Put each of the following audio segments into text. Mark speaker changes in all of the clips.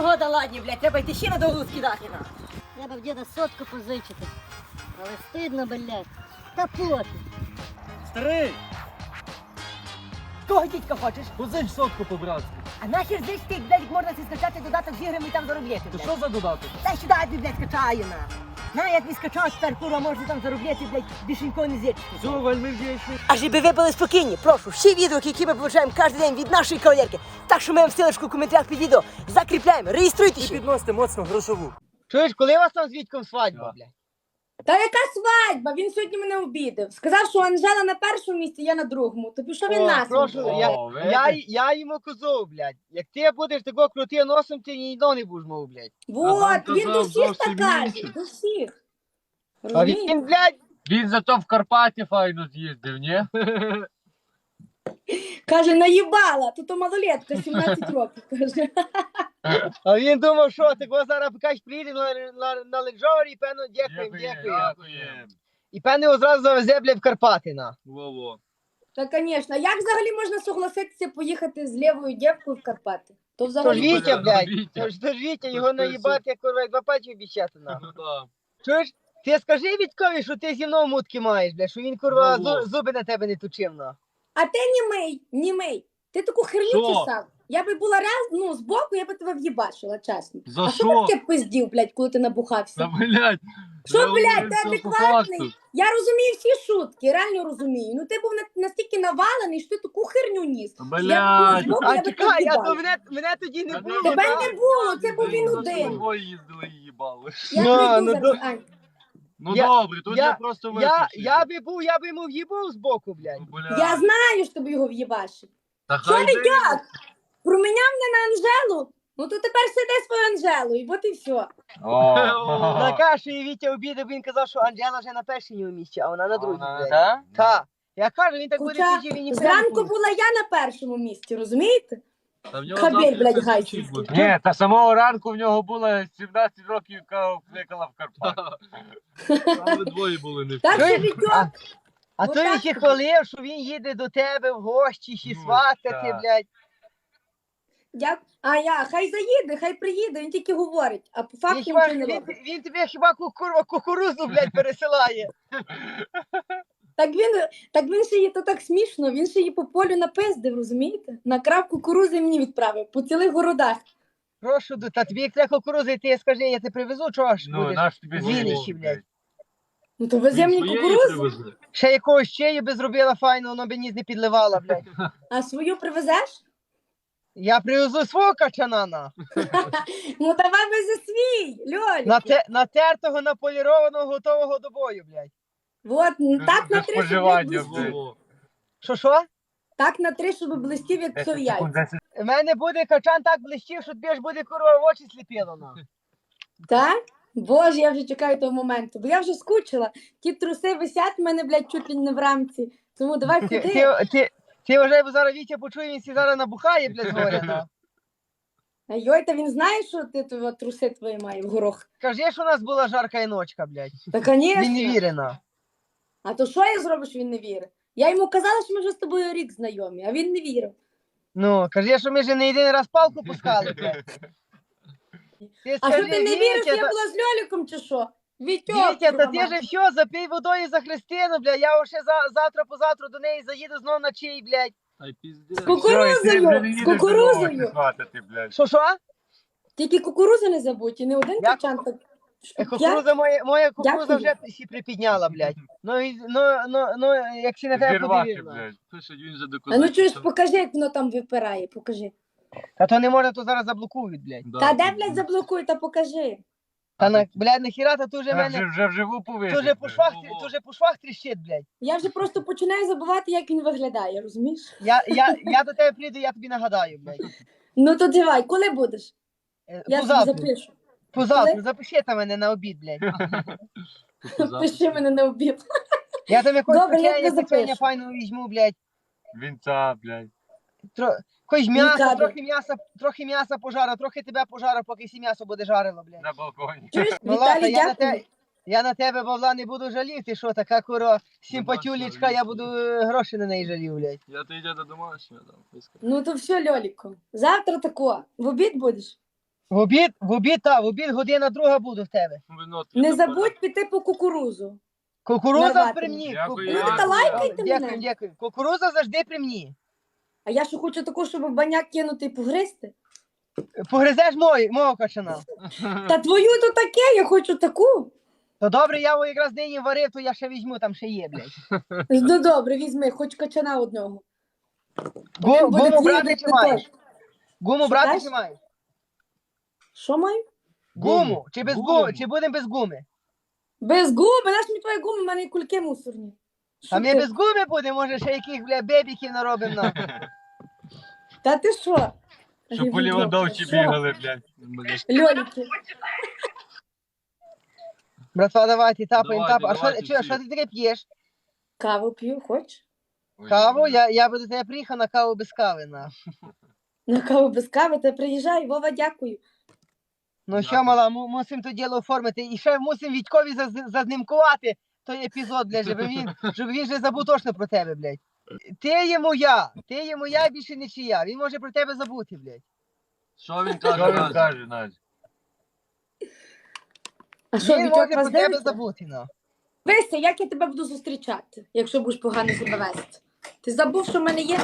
Speaker 1: погода ладні, блядь, треба йти ще на довгу скидати на.
Speaker 2: Треба в діда сотку позичити. Але стидно, блядь. Та пофіг.
Speaker 3: Старий,
Speaker 1: Кого дідька хочеш?
Speaker 3: позич сотку по-братськи.
Speaker 1: А нахер здесь ти, блядь, можна си скачати додаток з іграми і там заробляти,
Speaker 3: То
Speaker 1: блядь.
Speaker 3: що за додаток?
Speaker 1: Дай сюди, я тобі, блядь, скачаю на. На, як не скачав, тепер, курва, можна там заробляти, блядь, більше нікого не з'їдеш.
Speaker 3: Все, вельми вдячний.
Speaker 1: А щоб ви були спокійні, прошу, всі відео, які ми получаємо кожен день від нашої кавалерки, так що ми вам ссылочку в коментарях під відео закріпляємо, реєструйтесь.
Speaker 3: І підносите моцно грошову.
Speaker 4: Чуєш, коли у вас там з Вітьком свадьба, блядь?
Speaker 5: Та яка свадьба? Він сьогодні мене обідав. Сказав, що Анжела на першому місці, я на другому. То пішов він нас.
Speaker 4: прошу,
Speaker 3: О,
Speaker 4: я йому казав, блядь. Як ти будеш такого крути носом, ти ніде не будеш мов, блядь.
Speaker 5: Вот,
Speaker 6: А
Speaker 5: він
Speaker 6: вам
Speaker 5: до
Speaker 6: казав
Speaker 5: всіх так
Speaker 6: зовсім
Speaker 5: каже.
Speaker 6: інше.
Speaker 5: До всіх.
Speaker 4: А
Speaker 5: Розумієте?
Speaker 4: він, блядь,
Speaker 6: Він зато в Карпаті файно з'їздив, ні?
Speaker 5: Каже, наїбала. То малолетка, 17 років. Каже.
Speaker 4: а він думав, що такого зараз покаж приїде на леджовері і певно дякуємо. І певно його зразу завезе, блядь, в Карпати, на.
Speaker 6: Во-во.
Speaker 5: Та, звісно. Як взагалі можна согласитися поїхати з лівою дівкою в Карпати? То
Speaker 4: Тож
Speaker 5: взагалі...
Speaker 4: Вітя, блядь,
Speaker 6: Вітя.
Speaker 4: тож Вітя, його наїбати, як курва, як два пачі обіцяти, на.
Speaker 6: Ну да.
Speaker 4: Чуєш, ти скажи Вітькові, що ти зі мною мутки маєш, блядь, що він, курва,
Speaker 6: Ну.
Speaker 4: зуби на тебе не точив, на.
Speaker 5: А ти німий. Ти таку херню
Speaker 6: Що?
Speaker 5: чесав. Я би була збоку, я би тебе в'їбачила, чесно.
Speaker 6: За
Speaker 5: А що
Speaker 6: що?
Speaker 5: ти таке пиздів, блядь, коли ти набухався?
Speaker 6: Та, блядь.
Speaker 5: Що,
Speaker 6: я
Speaker 5: блядь,
Speaker 6: говорю,
Speaker 5: ти
Speaker 6: все по
Speaker 5: адекватний?
Speaker 6: факту.
Speaker 5: Я розумію всі шутки, реально розумію. Ну ти був настільки навалений, що ти таку херню ніс.
Speaker 6: Блядь.
Speaker 5: Я б збоку,
Speaker 4: А
Speaker 5: я би
Speaker 4: чекай,
Speaker 5: тебе
Speaker 4: я то
Speaker 5: в'їбала.
Speaker 4: мене тоді не було.
Speaker 5: Тебе
Speaker 4: на.
Speaker 5: не було, це був він
Speaker 6: Ми
Speaker 5: один.
Speaker 6: з тобою їздили і їбали.
Speaker 5: Я
Speaker 4: Ну,
Speaker 5: прийду
Speaker 4: ну,
Speaker 5: зараз, Ань.
Speaker 6: Ну
Speaker 4: Я-
Speaker 6: добре, тут
Speaker 4: я-
Speaker 6: я просто
Speaker 4: Я
Speaker 6: виключив.
Speaker 4: я би йому в'їбав збоку, блядь.
Speaker 6: Ну, блядь.
Speaker 5: Я знаю, що тобі його в'їбашив.
Speaker 6: Та
Speaker 5: Що
Speaker 6: хай
Speaker 5: не
Speaker 6: би-
Speaker 5: як? Проміняв мене на Анжелу? Ну то тепер сиди свою Анжелу, і от і все.
Speaker 6: О,
Speaker 4: На кашу і Вітя обідав, він казав, що Анджела вже на першій місці, а вона на другій, блядь.
Speaker 6: Так?
Speaker 4: Так. Я кажу, він так буде
Speaker 5: Хоча
Speaker 4: пізніше, він ніхто
Speaker 5: зранку була я на першому місці, розумієте?
Speaker 6: Та в нього
Speaker 5: Кабель,
Speaker 6: завтра
Speaker 5: блядь,
Speaker 6: щось
Speaker 5: гайський.
Speaker 6: вчить буде. Ні, та самого ранку в нього було 17 років, яка кликала в Карпат. Там ви двоє були не
Speaker 5: Так що
Speaker 4: Чуєш?
Speaker 5: Вітьок,
Speaker 4: А
Speaker 5: Ну
Speaker 4: то він
Speaker 5: так
Speaker 4: ще
Speaker 5: тобі.
Speaker 4: хвалив, що він їде до тебе в гості, ще
Speaker 6: Ну,
Speaker 4: сватати,
Speaker 6: так.
Speaker 4: блядь.
Speaker 5: хай заїде, хай приїде, він тільки говорить, а по
Speaker 4: Він,
Speaker 5: факту
Speaker 4: хіба,
Speaker 5: нічого не
Speaker 4: він,
Speaker 5: робить.
Speaker 4: він тобі хіба кукурузу, блядь, пересилає.
Speaker 5: Так він ще її, то так смішно, він ще її по полю напиздив, розумієте? Накрав кукурузи і мені відправив, по цілих городах.
Speaker 4: Прошу, та тобі як треба кукурузи, ти скажи, я тебе привезу, чого ж
Speaker 6: Ну,
Speaker 4: будеш?
Speaker 6: наш тобі
Speaker 4: Вінничі,
Speaker 6: зробив,
Speaker 4: блядь.
Speaker 5: Ну то везе мені кукурузу,
Speaker 4: Ще якогось чею би зробила файно, воно би ніс не підливала, блядь.
Speaker 5: а свою привезеш?
Speaker 4: Я привезу свого качана, на.
Speaker 5: Ну давай вези свій, Льолі.
Speaker 4: Натертого, наполірованого, готового до бою, блядь.
Speaker 5: Вот, так на 3, щоб
Speaker 6: споживання,
Speaker 5: блистів.
Speaker 6: блядь.
Speaker 4: Що?
Speaker 5: Так на 3, щоб блистів, як
Speaker 6: 10
Speaker 5: псов
Speaker 6: секунд,
Speaker 5: яйця.
Speaker 6: 10.
Speaker 4: У мене буде качан так блищив, що тобі ж буде курва в очі сліпіло, на.
Speaker 5: Так? Боже, я вже чекаю того моменту, бо я вже скучила. Ті труси висять в мене, блядь, чуть ли не в рамці. Тому давай ходи.
Speaker 4: Ти вже бо зараз Вітя почує, він сі зараз набухає, блядь, згоря, на.
Speaker 5: А йой, та він знає, що ти труси твої має в горох.
Speaker 4: Кажи, що у нас була жарка ночка, блядь.
Speaker 5: Та,
Speaker 4: Він не
Speaker 5: звісно.
Speaker 4: вірить, на.
Speaker 5: А то що я зроблю, що він не вірить? Я йому казала, що ми вже з тобою рік знайомі, а він не вірив.
Speaker 4: Ну, кажи, що ми вже не один раз палку пускали, блядь. Ти
Speaker 5: А що
Speaker 4: скажи,
Speaker 5: ти не вірив, що я
Speaker 4: Вітя,
Speaker 5: була з Льоліком чи що? Вітьок,
Speaker 4: Вітя, та ти
Speaker 5: Роман.
Speaker 4: же все, запий водою за Христину, блядь. Я ще завтра-позавтра до неї заїду знов на чий, блядь.
Speaker 6: Ай, піздець.
Speaker 5: З кукурузою,
Speaker 6: Все, і ти вже не
Speaker 5: з
Speaker 6: їдеш
Speaker 5: кукурузою.
Speaker 6: додому, ти сватати, блядь.
Speaker 4: Що?
Speaker 5: Тільки кукурузи не забудь, і не один
Speaker 4: Я
Speaker 5: качан. Так...
Speaker 4: Кукуруза моя кукуруза
Speaker 5: Дякую.
Speaker 4: вже сі припідняла, блядь. Ну, як сі на тебе
Speaker 6: Зірвати,
Speaker 4: подивив.
Speaker 6: блядь. Пише, він вже
Speaker 5: А
Speaker 6: доказав.
Speaker 5: ну чуєш, покажи, як воно там випирає, покажи.
Speaker 4: Та то не можна, то зараз заблокують, блядь.
Speaker 5: Та де, блядь, заблокуй, та покажи.
Speaker 4: Та блядь, нахіра, та тут вже мене,
Speaker 6: Вже вживу повинен.
Speaker 4: тут вже по швах тріщить, блядь.
Speaker 5: Я вже просто починаю забувати, як він виглядає, розумієш?
Speaker 4: Я до тебе прийду, я тобі нагадаю, блядь.
Speaker 5: Ну то давай, коли будеш? Я тобі
Speaker 4: Позавтра,
Speaker 5: запишу.
Speaker 4: позавтра, запиши там мене на обід, блядь.
Speaker 5: Пиши мене на обід.
Speaker 4: Я там якось
Speaker 5: Добре, я тебе
Speaker 4: печення
Speaker 5: запишу.
Speaker 4: файного візьму, блядь.
Speaker 6: Вінця, блядь.
Speaker 4: Якось м'ясо,
Speaker 5: Нікаду.
Speaker 4: трохи м'яса пожару, трохи тебе пожару, поки сі м'ясо буде жарило, блядь.
Speaker 6: На балконі.
Speaker 5: Чуєш,
Speaker 4: Ну ладно,
Speaker 5: Віталій, дякую.
Speaker 4: я на тебе, Павла, не буду жаліти, що така куро симпатюлечка, я буду гроші на неї жалів, блядь.
Speaker 6: Я то йду до домашнього там.
Speaker 5: Ну то все, Льоліко. Завтра тако. В обід будеш?
Speaker 4: В обід година друга буду в тебе.
Speaker 6: Вино
Speaker 5: Не забудь піти по кукурузу.
Speaker 4: Кукуруза
Speaker 5: Нарвати.
Speaker 4: при мені.
Speaker 6: Дякую.
Speaker 5: Ну, та лайкайте
Speaker 4: Дякую,
Speaker 5: мене.
Speaker 4: дякую. Кукуруза завжди при мені.
Speaker 5: А я що хочу таку, щоб в баняк кинути і погризти.
Speaker 4: Погризеш мого качана.
Speaker 5: Та твою то таке, я хочу таку.
Speaker 4: То добре, я його якраз нині варив, то я ще візьму, там ще є, блядь.
Speaker 5: Ну добре, візьми, хоч качана одного. Один буде
Speaker 4: Гуму
Speaker 5: твій,
Speaker 4: брати
Speaker 5: один
Speaker 4: чи
Speaker 5: той.
Speaker 4: маєш? Гуму
Speaker 5: Що
Speaker 4: брати
Speaker 5: даш?
Speaker 4: чи маєш?
Speaker 5: Що маю?
Speaker 4: Гуму. Чи без
Speaker 6: Гуму.
Speaker 4: гуми? Чи будемо без гуми?
Speaker 5: Без губи, наш мені твої гуми, в мене і кульки мусорні. Що
Speaker 4: А ми
Speaker 5: ти?
Speaker 4: без гуми будемо, може ще яких, бля, бебіків наробимо нам.
Speaker 5: Та ти що?
Speaker 6: Щоб по Лівандовці
Speaker 5: Що?
Speaker 6: бігали, блядь.
Speaker 5: Льоліки.
Speaker 4: Братва, давайте, тапаємо,
Speaker 6: Давайте,
Speaker 4: тапаємо. А
Speaker 6: давайте
Speaker 4: що
Speaker 6: всі.
Speaker 4: ти таке п'єш?
Speaker 5: Каву п'ю, хоч?
Speaker 4: Каву? Я би до тебе приїхав на каву без кави, на.
Speaker 5: На каву без кави, та приїжджай, Вова, дякую.
Speaker 4: Ну що, мала, мусимо то діло оформити. І ще мусимо Вітькові зазнимкувати той епізод, блядь, щоб він вже забув точно про тебе, блядь. Ти є моя, більше не чия. Він може про тебе забути, блядь.
Speaker 6: Що він каже, Надь?
Speaker 5: А що,
Speaker 4: Він
Speaker 5: Вітьок
Speaker 4: може
Speaker 5: вас
Speaker 4: про тебе
Speaker 5: дивиться?
Speaker 4: забути, ну.
Speaker 5: Вися, як я тебе буду зустрічати, якщо будеш погано себе вести? Ти забув, що в мене є?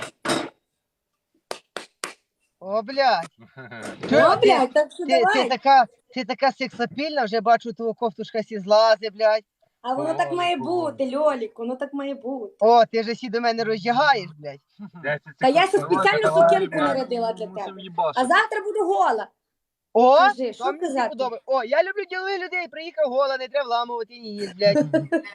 Speaker 4: О, блядь.
Speaker 5: Ну, блядь, так що
Speaker 4: Ти
Speaker 5: давай.
Speaker 4: така сексапільна, вже бачу, твого кофтушка сі злази, блядь.
Speaker 5: А воно так має бути, Льолік, воно так має бути.
Speaker 4: О, ти же сі до мене роздягаєш, блядь.
Speaker 5: Та я ще спеціально сукенку нарядила для тебе. А завтра буду гола.
Speaker 4: О,
Speaker 5: Кажи, що
Speaker 4: то мені
Speaker 5: казати?
Speaker 4: подобається. О, я люблю ділових людей, приїхав гола, не треба вламувати ніс, блядь.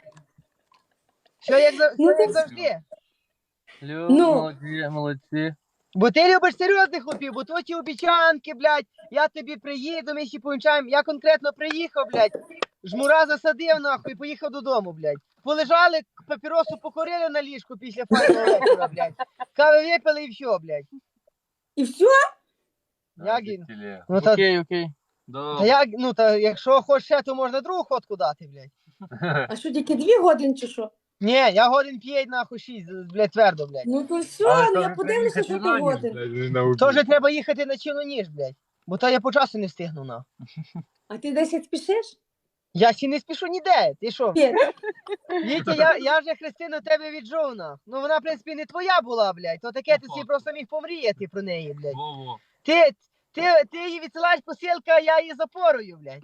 Speaker 4: Що
Speaker 5: Ну,
Speaker 4: як
Speaker 5: ти-
Speaker 4: завжди.
Speaker 5: Ну.
Speaker 6: Молодці.
Speaker 4: Бо ти любиш серйозних хлопів, бо то ті обіцянки, блядь, я тобі приїду, ми ще повінчаємо. Я конкретно приїхав, блядь, жмура засадив, нахуй, і поїхав додому, блядь. Полежали, папіросу покурили на ліжку після файного вечора, блядь. Кави випили і все, блядь.
Speaker 5: І все?
Speaker 4: Як він? Ну, та,
Speaker 6: Окей.
Speaker 4: та якщо хочеш ще, то можна другу ходку дати, блядь.
Speaker 5: А що, тільки 2 години чи що?
Speaker 4: Ні, я годин 5, нахуй 6, блядь, твердо, блядь.
Speaker 5: Ну то все, ну я подивлюся, що ти годин.
Speaker 4: То вже треба їхати на чину ніж, блядь. Бо то я по часу не встигну, на.
Speaker 5: А ти 10 спішиш?
Speaker 4: Я ще не спішу ніде, ти що?
Speaker 5: Ні.
Speaker 4: Вітя, я вже Христину тебе віджов, на. Ну вона, в принципі, не твоя була, блядь. То таке ти собі просто міг помріяти про неї, блядь. Ти її відсилаєш посилка, а я її запорую, блядь.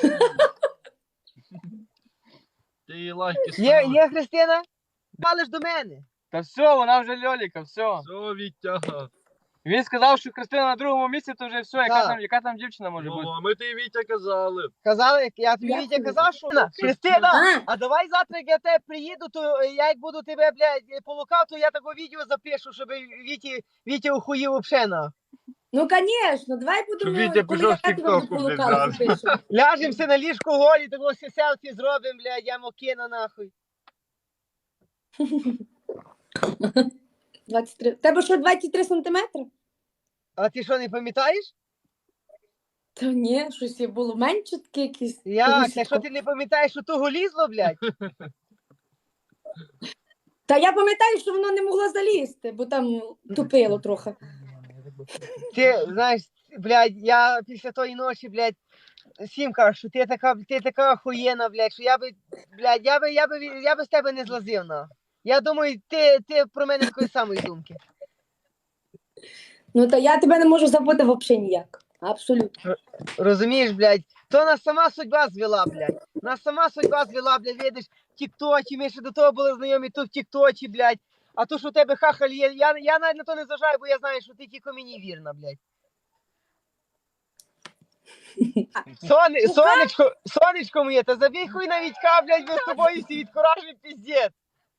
Speaker 6: Ти її лайки
Speaker 4: Є Христина? Палиш до мене.
Speaker 3: Та все, вона вже Льоліка, все.
Speaker 6: Все, Вітя.
Speaker 3: Він сказав, що Христина на другому місці, то вже все,
Speaker 4: Так.
Speaker 3: яка там дівчина може бути.
Speaker 6: А ми тобі Вітя казали.
Speaker 4: Казали, я тобі
Speaker 5: Дякую.
Speaker 4: Вітя казав, що Христина,
Speaker 5: А,
Speaker 4: а давай завтра, як я тебе приїду, то я як буду тебе, блядь, полукав, то я таке відео запишу, щоб Вітя ухуїв обшена.
Speaker 5: ну звісно, давай будемо,
Speaker 6: Щоб Вітя
Speaker 5: коли
Speaker 6: пішов
Speaker 5: я
Speaker 6: в
Speaker 5: тебе
Speaker 6: TikTok,
Speaker 5: буду
Speaker 6: блядь,
Speaker 5: полукала,
Speaker 6: зразу.
Speaker 5: запишу.
Speaker 4: Ляжемося на ліжку голі, того все селфі зробимо, блядь, я кину нахуй.
Speaker 5: 23. В тебе що, 23 сантиметри?
Speaker 4: А ти що, не пам'ятаєш?
Speaker 5: Та ні, щось я було менше таке якісь.
Speaker 4: Як? Якщо ти не пам'ятаєш, що того лізло, блядь?
Speaker 5: Та я пам'ятаю, що воно не могло залізти, бо там тупило трохи.
Speaker 4: Ти, знаєш, блядь, я після тої ночі, блядь, всім кажу, що ти така охуєна, блядь, що блядь, я би з тебе не злазив, на. Я думаю, ти про мене такої самої думки.
Speaker 5: Ну та я тебе не можу забути взагалі ніяк. Абсолютно.
Speaker 4: Розумієш, блядь, то нас сама судьба звела, блядь. Нас сама судьба звела, блядь, видиш, в тік-тоці, ми ще до того були знайомі, то в тік-тоці, блядь. А то, що у тебе хахаль є, я навіть на то не зважаю, бо я знаю, що ти тільки мені вірна, блядь. Сонечко моє, та забій хуй на Вітька, блядь, бо з тобою всі відкуражені піздець.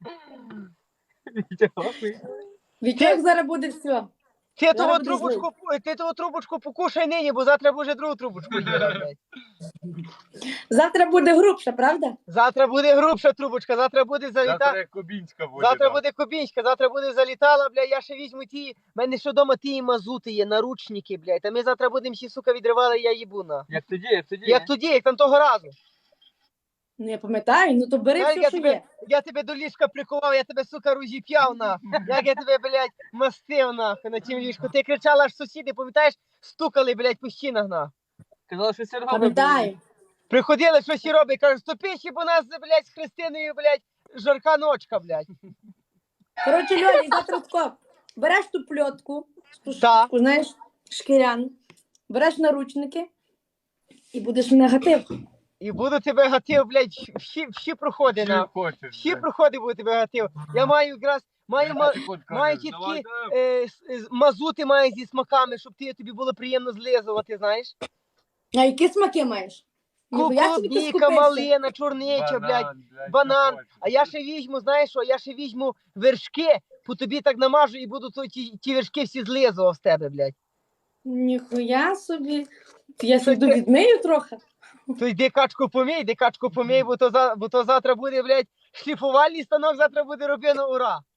Speaker 5: Вітьок зараз буде все.
Speaker 4: Ти
Speaker 5: Зараз
Speaker 4: того трубочку покушай нині, бо завтра буде другу трубочку їла, блядь.
Speaker 5: Завтра буде грубша, правда?
Speaker 4: Завтра буде грубша трубочка, завтра буде заліта.
Speaker 6: Завтра Кубінська буде.
Speaker 4: Завтра
Speaker 6: да.
Speaker 4: буде Кубінська, завтра буде залітала, бля, я ще візьму ті, в мене ще вдома ті мазути є, наручники, блядь, та ми завтра будемо всі, сука, відривали, я їбу, на.
Speaker 3: Як тоді.
Speaker 4: Як тоді, як там того разу.
Speaker 5: Ну я пам'ятаю, ну то бери
Speaker 4: Знаєш,
Speaker 5: все, що є.
Speaker 4: я тебе до ліжка прикував, я тебе, сука, розіп'яв, на. Як я тебе, блядь, мастив, нахуй, на тім ліжку. Ти кричала, аж сусіди, пам'ятаєш, стукали, блядь, по стінах на.
Speaker 3: Казали, що Серега
Speaker 5: Пам'ятаю.
Speaker 4: Приходили, щось і робить, кажуть, стопи, бо у нас, блядь, з Христиною, блядь, жарка ночка, блядь.
Speaker 5: Коротше, Льолі, завтра тако, береш ту пльотку,
Speaker 4: Та.
Speaker 5: знаєш, шкірян, береш наручники і будеш в негатив.
Speaker 4: І буду тебе гатив, блядь, всі проходи,
Speaker 6: Що
Speaker 4: на.
Speaker 6: хочеш?
Speaker 4: Всі
Speaker 6: блядь.
Speaker 4: проходи буду тебе гатив. Я маю якраз,
Speaker 6: Секунд,
Speaker 4: маю
Speaker 6: кажеш,
Speaker 4: ті
Speaker 6: давай,
Speaker 4: такі
Speaker 6: давай.
Speaker 4: мазути маю зі смаками, щоб тобі було приємно злизувати, знаєш.
Speaker 5: А які смаки маєш? Ніхуя собі ти
Speaker 4: Клубніка,
Speaker 5: скупився.
Speaker 4: малина, чорнича, блядь, банан. А я ще візьму, знаєш що, я ще візьму вершки, по тобі так намажу і буду ті вершки всі злизував з тебе, блядь.
Speaker 5: Ніхуя собі. Я сіду відмию трохи.
Speaker 4: То йди качку помій, бо то завтра буде, блядь, шліфувальний станок, завтра буде робено, ура.